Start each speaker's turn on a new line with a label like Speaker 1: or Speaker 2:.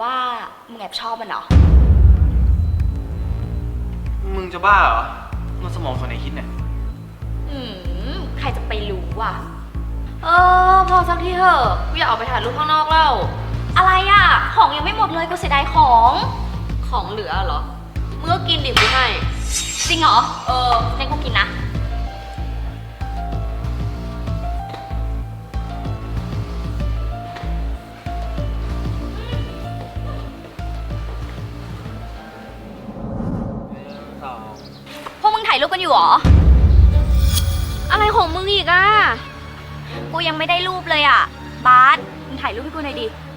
Speaker 1: ว่ามึงแอบชอบมันเหรอ
Speaker 2: มึงจะบ้าเหรอมันสมองส่วนไหนคิดเนี่ย
Speaker 1: ใครจะไปรู้วะ
Speaker 3: พอสักทีเถอะกูอยากออกไปถ่ายรูปข้างนอกแล้ว
Speaker 1: อะไรอ่ะของยังไม่หมดเลยกูเสียดายของ
Speaker 3: เหลือเหรอมึงก็กินดิกูให้
Speaker 1: จริงเหรองั้นกูกินนะพวกมึงถ่ายรูปกันอยู่เหรอ
Speaker 3: อะไรของมึงอีกอ่ะ
Speaker 1: กูยังไม่ได้รูปเลยอ่ะบาสมึงถ่ายรูปให้กูหน่อยดิ